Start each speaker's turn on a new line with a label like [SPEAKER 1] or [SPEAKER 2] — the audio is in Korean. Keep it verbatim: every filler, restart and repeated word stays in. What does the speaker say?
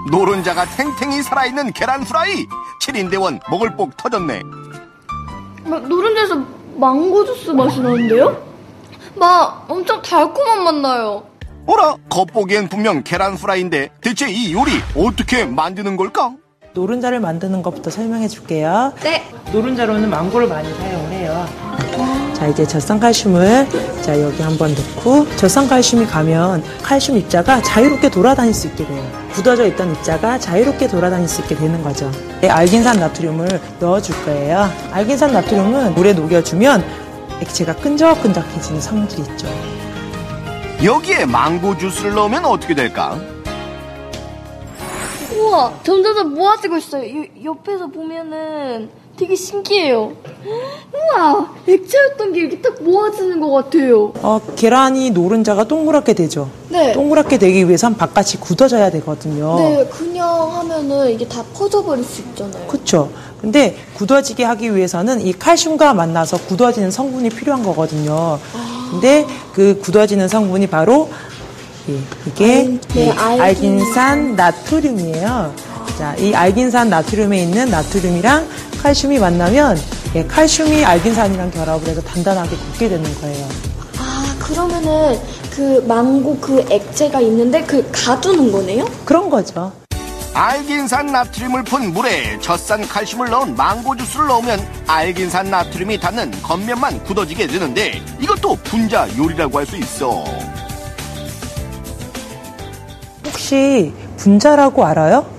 [SPEAKER 1] 노른자가 탱탱히 살아있는 계란 프라이. 칠 인대원 먹을 복 터졌네.
[SPEAKER 2] 노른자에서 망고 주스 맛이 나는데요? 막 엄청 달콤한 맛 나요.
[SPEAKER 1] 어라, 겉보기엔 분명 계란 프라이인데 대체 이 요리 어떻게 만드는 걸까?
[SPEAKER 3] 노른자를 만드는 것부터 설명해 줄게요.
[SPEAKER 2] 네.
[SPEAKER 3] 노른자로는 망고를 많이 사용을 해요. 자, 이제 젖산칼슘을 자 여기 한번 넣고, 젖산칼슘이 가면 칼슘 입자가 자유롭게 돌아다닐 수 있게 돼요. 굳어져 있던 입자가 자유롭게 돌아다닐 수 있게 되는 거죠. 네, 알긴산 나트륨을 넣어줄 거예요. 알긴산 나트륨은 물에 녹여주면 액체가 끈적끈적해지는 성질이 있죠.
[SPEAKER 1] 여기에 망고 주스를 넣으면 어떻게 될까?
[SPEAKER 2] 우와, 점점 모아지고 있어요. 요, 옆에서 보면은 되게 신기해요. 우와, 액체였던 게 이렇게 딱 모아지는 것 같아요.
[SPEAKER 3] 어, 계란이 노른자가 동그랗게 되죠.
[SPEAKER 2] 네.
[SPEAKER 3] 동그랗게 되기 위해선 바깥이 굳어져야 되거든요.
[SPEAKER 2] 네, 그냥 하면은 이게 다 퍼져버릴 수 있잖아요.
[SPEAKER 3] 그렇죠. 근데 굳어지게 하기 위해서는 이 칼슘과 만나서 굳어지는 성분이 필요한 거거든요. 아. 근데 그 굳어지는 성분이 바로 예, 이게
[SPEAKER 2] 알, 네,
[SPEAKER 3] 예, 알긴산 나트륨이에요. 자, 이 알긴산 나트륨에 있는 나트륨이랑 칼슘이 만나면 예, 칼슘이 알긴산이랑 결합을 해서 단단하게 굳게 되는 거예요.
[SPEAKER 2] 아, 그러면은 그 망고 그 액체가 있는데 그 가두는 거네요?
[SPEAKER 3] 그런 거죠.
[SPEAKER 1] 알긴산 나트륨을 푼 물에 젖산 칼슘을 넣은 망고 주스를 넣으면 알긴산 나트륨이 닿는 겉면만 굳어지게 되는데 이것도 분자 요리라고 할 수 있어.
[SPEAKER 3] 혹시 분자라고 알아요?